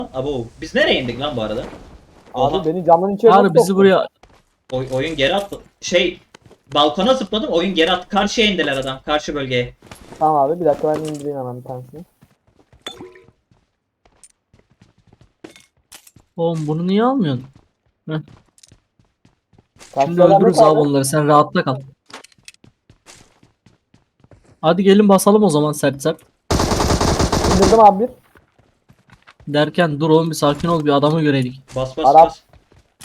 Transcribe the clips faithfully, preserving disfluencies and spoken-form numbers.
Abo biz nereye indik lan bu arada? Abi Oha, beni camdan içeri Abi nasıl bizi soktun? buraya oy- oyun geri attı. Şey, balkona zıpladım, oyun geri attı. Karşıya indiler adam, karşı bölgeye. Tamam abi bir dakika ben indireyim hemen bir tanesini. oğlum bunu niye almıyorsun? Heh. Şimdi Karşıya öldürürüz Ahmet abi onları, sen rahatta kal. Hadi gelin basalım o zaman sert sert. İndirdim abi bir. Derken dur oğlum bir sakin ol, bir adamı göredik. Bas bas Arap. bas.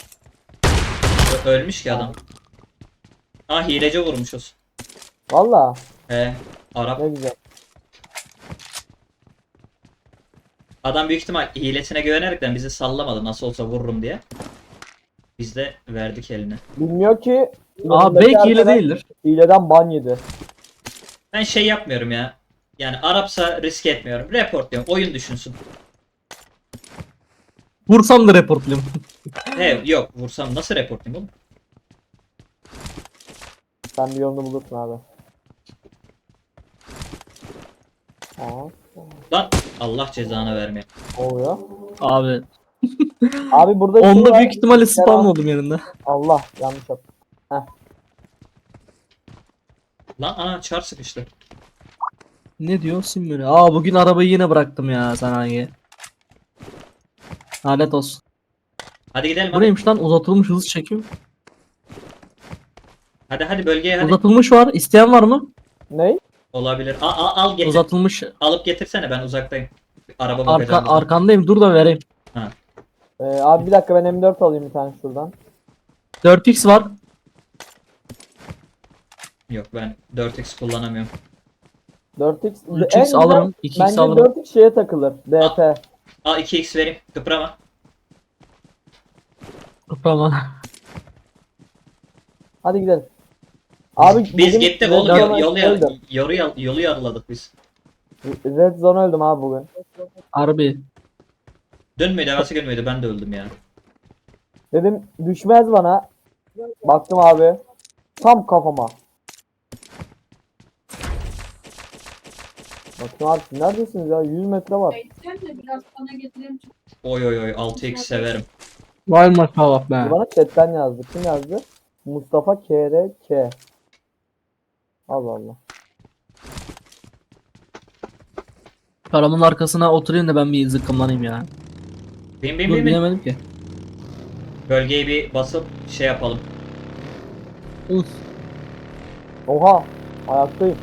Ö- ölmüş ki adam. Ah, hilece vurmuşuz. Valla He, Arap. ne güzel. Adam büyük ihtimal hilesine güvenerekten bizi sallamadı, nasıl olsa vururum diye. Biz de verdik eline. Bilmiyor ki. Aa yanındaki belki hile arkadaş değildir. Hileden ban yedi. Ben şey yapmıyorum ya. Yani Arapsa risk etmiyorum. Report diyorum. Oyun düşünsün. Vursam da reportlayayım. He yok, vursam nasıl reportlayayım oğlum? Sen bir yolunu bulursun abi. Aa, Lan Allah cezanı vermeye. oluyor. Abi Abi burada şey onda var. büyük ihtimalle spam oldum yanında. Allah yanlış yaptım. Lan ana, çar sıkıştı. Ne diyorsun böyle? Aa bugün arabayı yine bıraktım ya sanayiye. Lanet olsun. Hadi gidelim Bu hadi. neymiş lan, uzatılmış hız çekim. Hadi hadi bölgeye hadi. Uzatılmış var. İsteyen var mı? Ney? Olabilir. A, a- al getir. Uzatılmış. Alıp getirsene, ben uzaktayım. Araba Arka, bakacağım. bize. arkandayım, dur da vereyim. Ee, abi bir dakika ben M dört alayım bir tane şuradan. dört x var. Yok, ben dört x kullanamıyorum. dört x. üç En x güzel- alırım. iki x Bence alırım. dört x şeye takılır. D P. Al iki x vereyim. Kıprama. Kıprama. Hadi gidelim. Abi Biz bugün gittik Red oğlum. Zone'a Yol, yolu, öldüm. yolu, yolu, yolu yarıladık biz. Red Zone öldüm abi bugün. Harbi. Dün müydü? Evvelsi gün müydü? Ben de öldüm ya. Dedim düşmez bana. Baktım abi. Tam kafama. Bakın abi siz neredesiniz ya? yüz metre var. Sen de biraz bana getirelim. Oy oy oy, altı x severim. Vay maşallah be. Bana chatten yazdı. Kim yazdı? Mustafa K R K. Allah Allah. Paramın arkasına oturayım da ben bir zıkkımlanayım ya. Bin bin Dur bin bin. bilemedim ki. Bölgeyi bir basıp şey yapalım. Uf. Oha. Ayaktayım.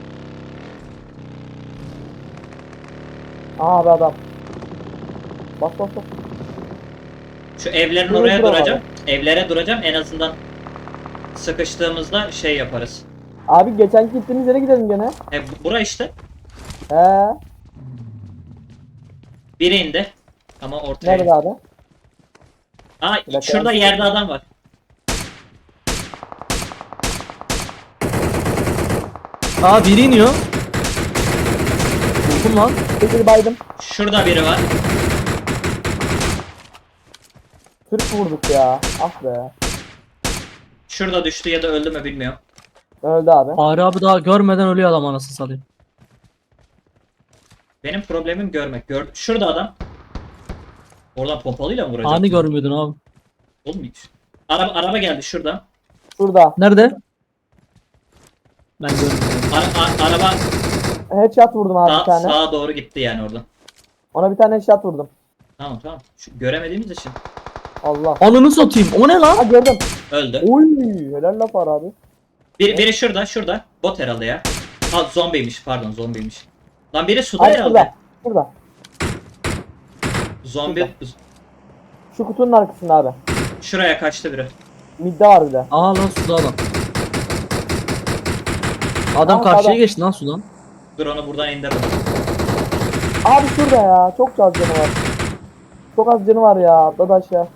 Aa abi adam. Bas bas bas. Şu evlerin Dur, oraya dur duracağım. Evlere duracağım. En azından sıkıştığımızda şey yaparız. Abi geçen gittiğimiz yere gidelim gene. E bu- bura işte. He. Biri indi. Ama ortaya. Nerede abi? Aa, Bir dakika. şurada yerde adam var. Aa biri iniyor. Buldum lan. Bir baydım. Şurada biri var. Türk vurduk ya. Ah be. Şurada düştü ya da öldü mü bilmiyorum. Öldü abi. Fahri abi daha görmeden ölüyor adam, anasını satayım. Benim problemim görmek. Gör şurada adam. Oradan pompalıyla mı vuracak? Hani görmüyordun abi. Oğlum hiç. Araba, araba geldi şuradan. Şurada. Nerede? Ben görmüyorum. Ara, a- araba Headshot vurdum abi bir sağ, tane. sağa doğru gitti yani oradan. Ona bir tane headshot vurdum. Tamam tamam. Şu, göremediğimiz için Allah. Ananı satayım. O ne Ha lan? gördüm. öldü. Oy helal laf var abi. Bir, biri şurada, şurada. Bot herhalde ya. Ha, zombiymiş, pardon, zombiymiş. Lan biri suda Hayır herhalde. şurada. Şurada. Zombi Şu kutunun arkasında abi. şuraya kaçtı biri. Midde var bir de. Aa lan suda adam. Adam Aa, karşıya sağda. geçti lan sudan. Dur, onu buradan indirdim. Abi şurada ya. Çok az canı var. Çok az canı var ya. Atladı aşağı.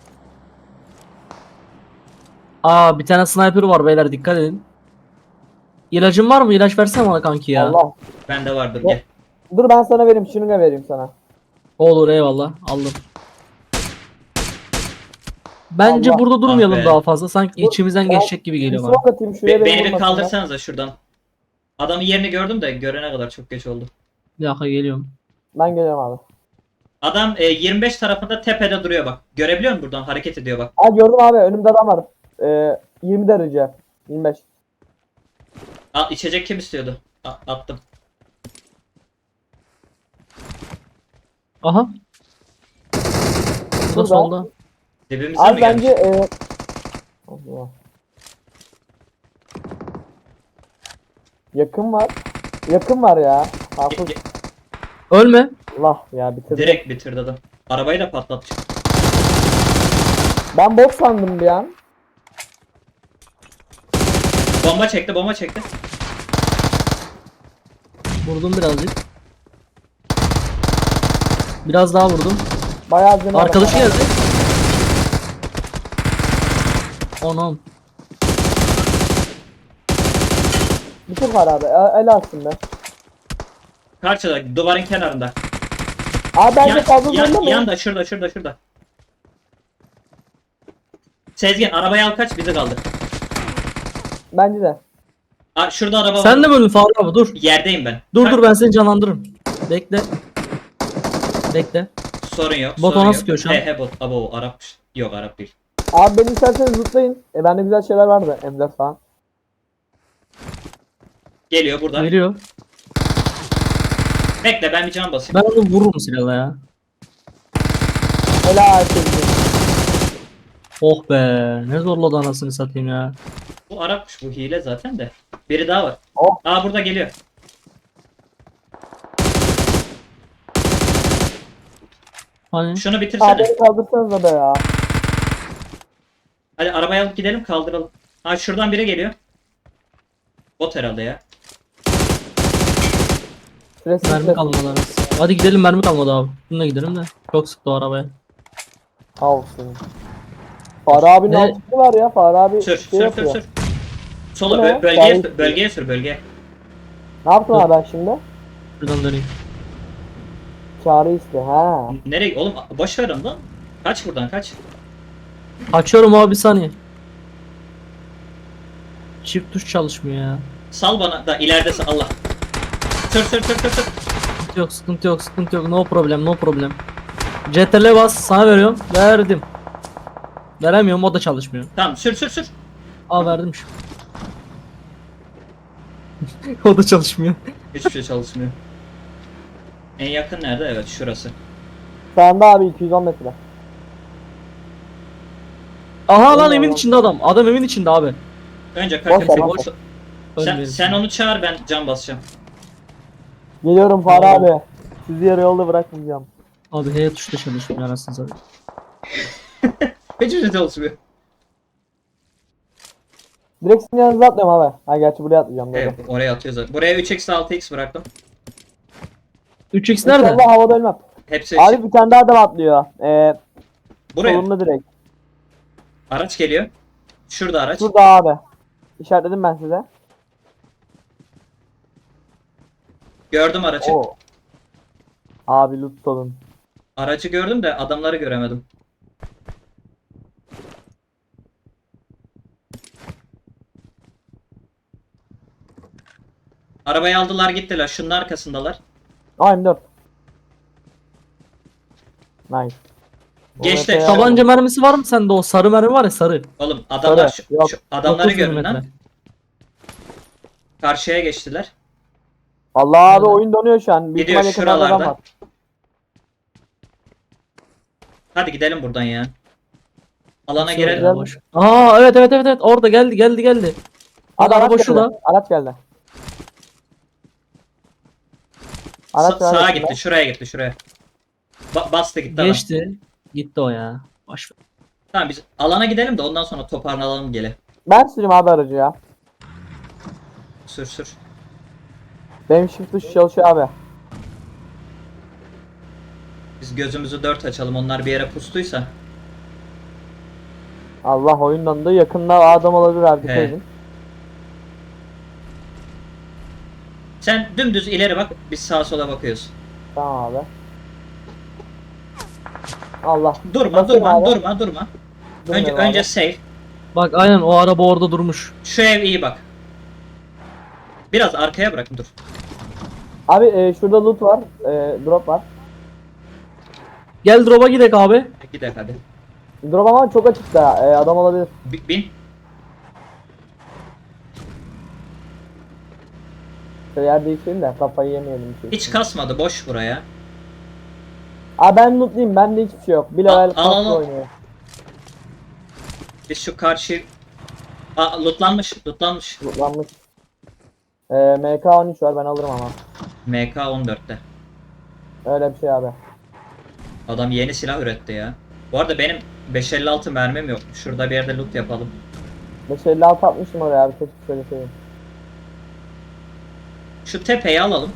Aa bir tane sniper var beyler, dikkat edin. İlacın var mı? İlaç versene bana kanki ya. Allah. Bende vardır, Yok. gel. Dur ben sana vereyim. Şunu da vereyim sana. Olur eyvallah, aldım. Bence Allah. burada durmayalım Ah be. daha fazla. Sanki Dur, içimizden ben- geçecek gibi Bir geliyor bana. smoke atayım şuraya Be- beni beni bir vurmasınlar. kaldırsanıza şuradan. Adamın yerini gördüm de görene kadar çok geç oldu. Bir dakika geliyorum. Ben geliyorum abi. Adam e, yirmi beş tarafında tepede duruyor bak. Görebiliyor musun buradan? Hareket ediyor bak. Aa gördüm abi, önümde adam var. Ee, yirmi derece. yirmi beş. Al, içecek kim istiyordu? A- attım. Aha. Bu Şurada. da solda. Dibimize mi Abi gelmiş? bence e... Allah. Yakın var. Yakın var ya. Hafız. Ge- ge- Ölme. Allah ya, bitirdi. Direkt bitirdi adam. Arabayı da patlatmış. Ben bot sandım bir an. Bomba çekti, bomba çekti. Vurdum birazcık. Biraz daha vurdum. Bayağı canı var. Arkadaşı geldi. Onam. Bitir var abi. El, el alsın be. Karşıda, duvarın kenarında. Abi bence Yan, fazla yan, zorlamayın. yanda, şurada, şurada, şurada. Sezgin, arabayı al kaç, bizi kaldır. Bence de. Aa, şurada araba var. Sen de mi öldün Faruk abi? Dur. Yerdeyim ben. Dur Kalk. dur ben seni canlandırırım. Bekle. Bekle. Sorun yok. Bot sorun ona yok. sıkıyor şu an. He he bot. Abo Arap. Yok Arap değil. Abi beni isterseniz zıplayın. E bende güzel şeyler vardı. M dört falan. Geliyor burada. Geliyor. Bekle ben bir can basayım. Ben onu vururum silahla ya. Helal sevgilim. Oh be. Ne zorladı anasını satayım ya. Bu Arapmış, bu hile zaten de. Biri daha var. Oh. Aa burada geliyor. Hani Şunu Abi bitirsene. beni kaldırsanıza be ya. Hadi arabayı alıp gidelim, kaldıralım. Ha şuradan biri geliyor. Bot herhalde ya. Süresi mermi kalmadı arası. Hadi gidelim mermi kalmadı abi. Bununla gidelim de. Çok sıktı o arabaya. Olsun. Fahri abinin Ne? altı var ya. Fahri abi Sür, şey sür, sür, yapıyor. sür. Sola Bu ne? bö- bölgeye, Gayet- bölgeye sür, bölgeye. Ne yaptın abi ben şimdi? Şuradan döneyim. Çağrı iste. Ha. Nereye? Oğlum boş ver onu lan. Kaç buradan, kaç. Açıyorum abi bir saniye. Çift tuş çalışmıyor ya. Sal bana da ileride sal- Allah. Sür, sür, sür, sür, sür. Sıkıntı yok, sıkıntı yok, sıkıntı yok. No problem, no problem. C T R L bas, sana veriyorum. Verdim. Veremiyorum, o da çalışmıyor. Tamam, sür, sür, sür. Aa verdim şu. O da çalışmıyor. Hiçbir şey çalışmıyor. En yakın nerede? Evet, şurası. Sağında abi iki yüz on metre. Aha lan Allah evin Allah. içinde adam. Adam evin içinde abi. Önce Boş kalkın. ver, Sen, boş ver. sen, Ölmeyelim. sen onu çağır, ben can basacağım. Geliyorum Fahri Tamam. abi. Sizi yarı yolda bırakmayacağım. Abi H tuşta çalışmıyor anasını satayım. Hiçbir şey çalışmıyor. Direkt sizin yanınıza atlıyorum abi. Ha gerçi buraya atlayacağım. Doğru. Evet, oraya atıyoruz zaten. Buraya üç x altı x bıraktım. üç x nerede? İnşallah havada ölmem. Hepsi Abi bir tane daha adam atlıyor. Ee, buraya. solunda direkt. Araç geliyor. Şurada araç. Şurada abi. İşaretledim ben size. Gördüm aracı. Oo. Abi loot olun. Aracı gördüm de adamları göremedim. Arabayı aldılar gittiler. Şunun arkasındalar. Aa M dört. Nice. Geçti. O M P Taban- Tabanca mermisi var mı sende, o sarı mermi var ya sarı. Oğlum adamlar Sarı, şu, yok. şu adamları dokuz görün milimetre. lan. Karşıya geçtiler. Allah abi Nerede? oyun donuyor şu an. Büyük Gidiyor ihtimal yakınlarda adam şuralarda. var. Hadi gidelim buradan ya. Alana Şöyle girelim. Güzel. boş. Aa evet evet evet evet orada geldi geldi geldi. Abi Bak araba araç şurada. geldi. Araç geldi. Sa- Araç sağa araç gitti. Şuraya gitti. Şuraya. Ba- bastı gitti adam. Geçti. Gitti o ya. Boş ver. Tamam biz alana gidelim de ondan sonra toparlanalım gele. Ben süreyim abi aracı ya. Sür sür. Benim shift tuş çalışıyor abi. Biz gözümüzü dört açalım. Onlar bir yere pustuysa. Allah oyun dondu. Yakında adam olabilir abi. Dikkat He. edin. Sen dümdüz ileri bak. Biz sağa sola bakıyoruz. Tamam abi. Allah. Durma Bakın durma abi. durma durma. Önce Durmuyorum abi. önce safe. Bak aynen o araba orada durmuş. Şu ev iyi bak. Biraz arkaya bırakın dur. Abi e, şurada loot var. E, drop var. Gel drop'a gidelim abi. Gidelim hadi. Drop ama çok açıkta. Ee, adam olabilir. Bi- Bin. Şöyle yer değiştirelim de kafayı yemeyelim. Çünkü. Hiç kasmadı, boş buraya. Aa ben lootluyum. Bende hiçbir şey yok. Bir Al, level al, al, kaslı al. oynuyor. Biz şu karşı... Aa, lootlanmış, lootlanmış. Lootlanmış. Ee, M K on üç var ben alırım ama. M K on dörtte. Öyle bir şey abi. Adam yeni silah üretti ya. Bu arada benim beş elli altı mermim yok. Şurada bir yerde loot yapalım. beş elli altı atmışım oraya abi. Keşke şöyle şeyim. Şu tepeyi alalım.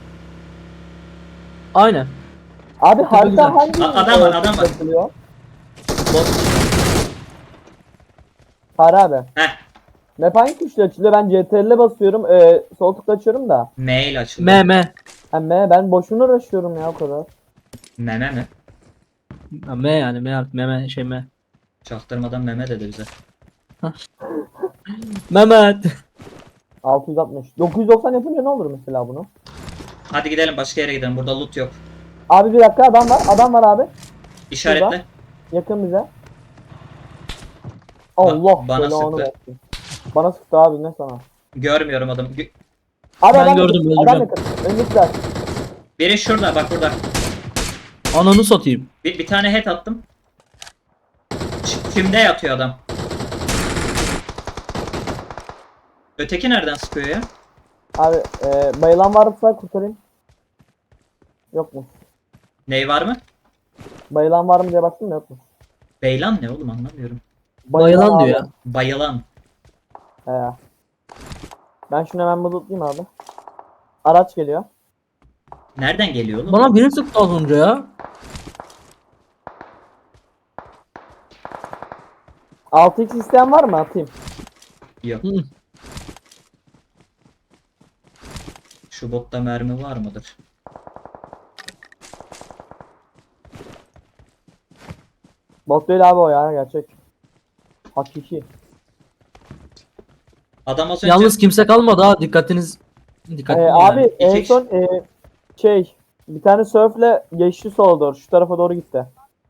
Aynen. Abi güzel. harita hangi? A- adam var, adam var. yapılıyor? Har abi. Heh. Map hangi tuşla açılıyor? Ben C T R'le basıyorum. Ee, sol tıkla açıyorum da. M ile açılıyor. M M. Hem M, ben boşuna uğraşıyorum ya o kadar. Meme mi? Ha, M yani M artık M şey M. Çaktırmadan meme dedi bize. Mehmet. altı yüz altmış. dokuz yüz doksan yapınca ne olur mesela bunu? Hadi gidelim, başka yere gidelim. Burada loot yok. Abi bir dakika, adam var. Adam var abi. İşaretle. Yakın bize. Allah bana belanı sıktı. versin. Bana sıktı abi, ne sana? Görmüyorum adamı. Gö- Abi Ben adam gördüm, yakın. Adam öldüreceğim. yakın. Öndekiler. Biri şurada, bak burada. Ananı satayım. Bir, bir tane head attım. Ç- Kimde yatıyor adam? Öteki nereden sıkıyor ya? Abi e, bayılan varsa kurtarayım. Yok mu? Ney var mı? Bayılan var mı diye baktım da yok mu? Beylan ne oğlum, anlamıyorum. Bayılan abi. diyor ya. Bayılan. He. Ben şunu hemen bulutlayayım abi. Araç geliyor. Nereden geliyor oğlum? Bana biri sıktı az önce ya. altı x isteyen var mı? Atayım. Yok. Hı. Şu botta mermi var mıdır? Bot değil abi o ya, gerçek. Hakiki. Adam az önce... Yalnız kimse kalmadı ha, dikkatiniz dikkatli Ee, olun abi yani. en İki son e, şey bir tane surfle geçti sola doğru. Şu tarafa doğru gitti.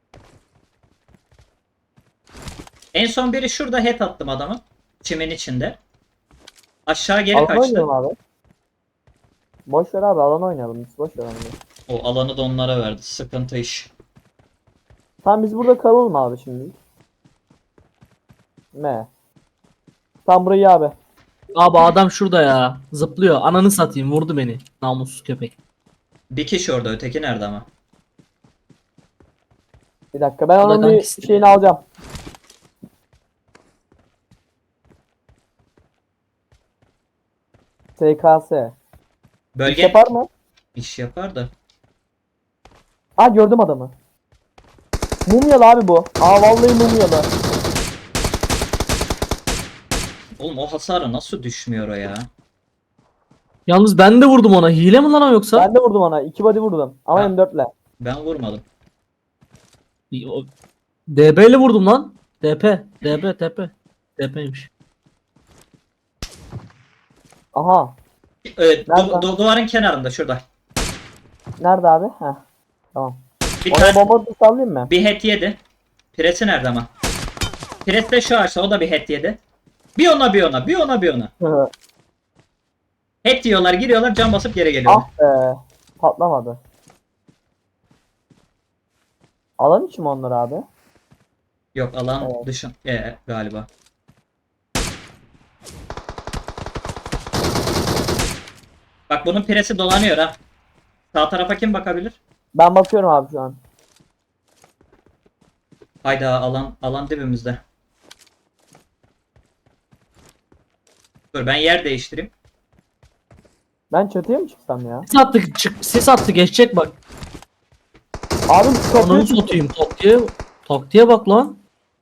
En son biri şurada head attım adamı. Çimin içinde. Aşağı geri Alan kaçtı. oynayalım abi. Boş ver abi, alan oynayalım. Biz boş ver onu. O alanı da onlara verdi. Sıkıntı iş. Tamam biz burada kalalım abi şimdi. Ne? Tam burayı abi. Abi adam şurada ya. Zıplıyor. Ananı satayım, vurdu beni. Namussuz köpek. Bir kişi orada, öteki nerede ama? Bir dakika, ben O da onun bir kankisi. şeyini alacağım. S K S. Bölge İş yapar mı? İş yapar da. Aa gördüm adamı. Mumyalı abi bu. Aa vallahi mumyalı. Oğlum o hasarı nasıl düşmüyor o ya? Yalnız ben de vurdum ona. Hile mi lan o yoksa? Ben de vurdum ona. İki body vurdum. Ama Ha. M dörtle. Ben vurmadım. O- D B ile vurdum lan. D P. D B. D P. D P'ymiş. Aha. Evet, du- Nerede? du- duvarın kenarında şurada. Nerede abi? Heh. Tamam. Bir Oraya tane bomba sallayayım mı? bir head yedi. Presi nerede ama? Pres de şu ağaçta, o da bir head yedi. Bir ona bir ona, bir ona bir ona. Head diyorlar, giriyorlar, can basıp geri geliyorlar. Ah be. Patlamadı. Alan içi mi onlar abi? Yok, alan Evet. dışı ee, galiba. Bak bunun presi dolanıyor ha. Sağ tarafa kim bakabilir? Ben bakıyorum abi şu an. Hayda, alan alan dibimizde. Dur ben yer değiştireyim. Ben çatıya mı çıksam ya? Sis attı, çık, sis attı, geçecek bak. Abi şu kapıyı Ananı satayım, taktiğe, taktiğe bak lan.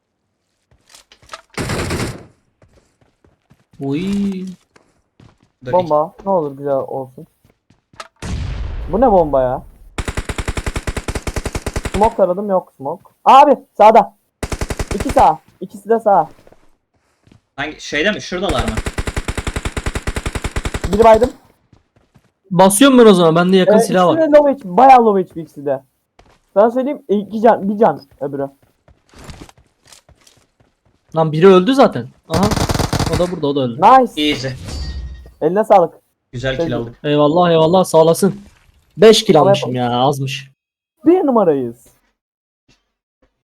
Uy. Dur, bomba. Ne olur güzel olsun. Bu ne bomba ya? Smoke aradım, yok smoke. Abi sağda. İki sağ. İkisi de sağ. Hangi şeyde mi? Şuradalar mı? Biri baydım. Basıyorum ben o zaman, bende yakın Ee, silah var. ikisi de low H P. Bayağı low H P ikisi de. Sana söyleyeyim iki can bir can öbürü. Lan biri öldü zaten. Aha. O da burada, o da öldü. Nice. Easy. Eline sağlık. Güzel Şey- kill aldık. Eyvallah eyvallah, sağ olasın. beş kill Kolay almışım ya, azmış. Bir numarayız.